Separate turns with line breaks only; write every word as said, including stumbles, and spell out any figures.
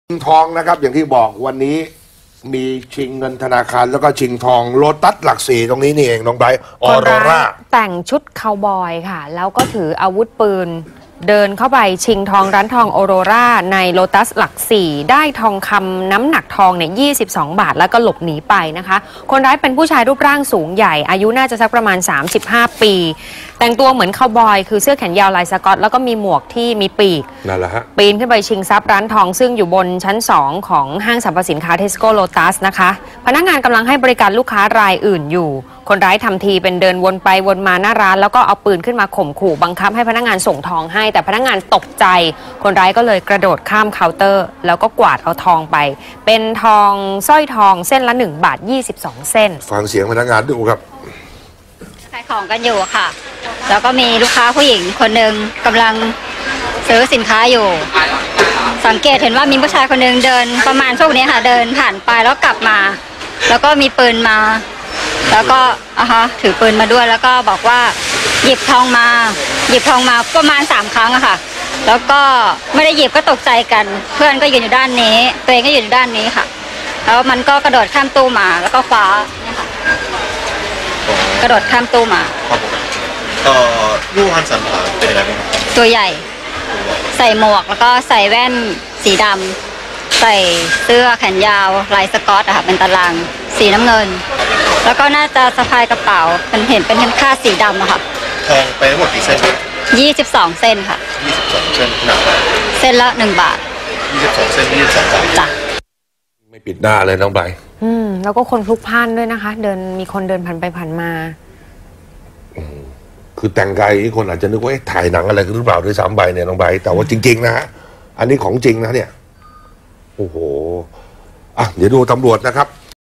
ชิงทองนะครับอย่างที่บอกวันนี้มีชิงเงินธนาคารแล้วก็ชิงทองโลตัสหลักสี่ตรงนี้นี่เองน้องไบรท์ออโรรา
แต่งชุดคาวบอยค่ะแล้วก็ถืออาวุธปืนเดินเข้าไปชิงทองร้านทองออโรราในโลตัสหลักสี่ได้ทองคำน้ำหนักทองเนี่ยยี่สิบสองบาทแล้วก็หลบหนีไปนะคะคนร้ายเป็นผู้ชายรูปร่างสูงใหญ่อายุน่าจะสักประมาณสามสิบห้าปีแต่งตัวเหมือนคาวบอยคือเสื้อแขนยาวลายสก๊อตแล้วก็มีหมวกที่มีปีก
นั่นแหละฮะ
ปีนขึ้นไปชิงทรัพย์ร้านทองซึ่งอยู่บนชั้นสองของห้างสรรพสินค้าเทสโก้โลตัสนะคะพนักงานกำลังให้บริการลูกค้ารายอื่นอยู่คนร้ายทำทีเป็นเดินวนไปวนมาหน้าร้านแล้วก็เอาปืนขึ้นมาข่มขู่บังคับให้พนักงานส่งทองให้แต่พนักงานตกใจคนร้ายก็เลยกระโดดข้ามเคาน์เตอร์แล้วก็กวาดเอาทองไปเป็นทองสร้อยทองเส้นละหนึ่งบาทยี่สิบสองเส้น
ฟังเสียงพนักงานดูครับ
ขายของกันอยู่ค่ะแล้วก็มีลูกค้าผู้หญิงคนหนึ่งกำลังซื้อสินค้าอยู่สังเกตเห็นว่ามีผู้ชายคนหนึ่งเดินประมาณช่วงนี้ค่ะเดินผ่านไปแล้วกลับมาแล้วก็มีปืนมาแล้วก็อ่ะฮะถือปืนมาด้วยแล้วก็บอกว่าหยิบทองมาหยิบทองมาประมาณสามครั้งอะค่ะแล้วก็ไม่ได้หยิบก็ตกใจกันเพื่อนก็ยืนอยู่ด้านนี้ตัวเองก็ยืนอยู่ด้านนี้ค่ะแล้วมันก็กระโดดข้ามตู้มาแล้วก็คว้าเนี่ยค่ะกระโดดข้ามตู้มา
ครับผมเอ่อรูปพันสันฐานเป็นยังไงบ้าง
ตัวใหญ่ใส่หมวกแล้วก็ใส่แว่นสีดำใส่เสื้อแขนยาวลายสก๊อตอะค่ะเป็นตารางสีน้ำเงินแล้วก็น่าจะสะพายกระเป๋าเป็นเห็นเป็นคาดสีดำอะค่ะ
ทองไปทั้งหมดกี่เส้น
ยี่สิบสองเส้นค่ะ
ยี่สิบสองเส้นหนัก
เส้นละหนึ่งบาท
ยี่สิบสองเส้นยี่สิบสองบาท
จ้ะ
ไม่ปิดหน้าเลยน้องไบรท์
อืมแล้วก็คนพลุกพล่านด้วยนะคะเดินมีคนเดินผ่านไปผ่านมา
คือแต่งกายนี้คนอาจจะนึกว่าถ่ายหนังอะไรหรือเปล่าด้วยซ้ำไปเนี่ยน้องไบรท์แต่ว่าจริงๆนะฮะอันนี้ของจริงนะเนี่ยโอ้โหอ่ะเดี๋ยวดูตำรวจนะครับ